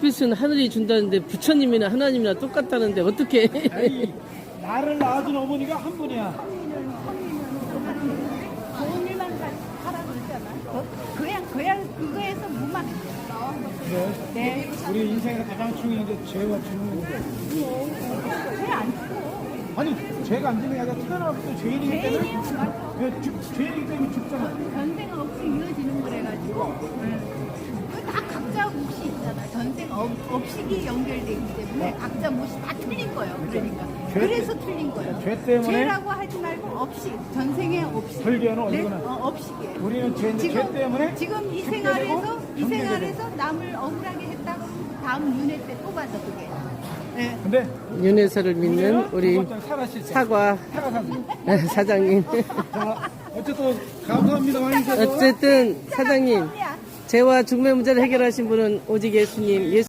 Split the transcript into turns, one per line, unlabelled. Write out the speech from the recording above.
앞에서는 하늘이 준다는데 부처님이나 하나님이나 똑같다는데 어떻게?
아니, 나를 낳아준 어머니가 한 분이야.
좋은 일만 하라 그러잖아. 그냥 그거에서 무만 나온 거.
그래.
네.
우리 인생에서 가장 중요한 게 죄와 죽는 건데.
왜안 죽어?
아니, 죄가 안 지는 게 아니라 태어나부터 죄인이기 때문에.
죄인이요? 맞아.
죄인이기 때문에 죽잖아.
전생 없이 이어지는 거래가지고. 다 각자 몫이 있잖아. 전생 업식이 연결되기 때문에 각자 몫이 다 틀린 거예요. 그러니까.
죄
그래서 틀린 거예요.
죄 때문에.
죄라고 하지 말고 업식. 전생의 업식.
불교는 어디구나.
업식이에요.
우리는 죄 때문에.
지금 이
죽게
생활에서
되고
이
정죄되고.
생활에서 남을 억울하게 했다 그러면 다음 윤회 때 또 받아 그게. 네.
근데
윤회사를 믿는 우리
살아실 때.
사과
사과사님.
사장님.
자, 어쨌든 감사합니다. 많이 주셔서.
어쨌든 사장님, 죄와 죽음의 문제를 해결하신 분은 오직 예수님.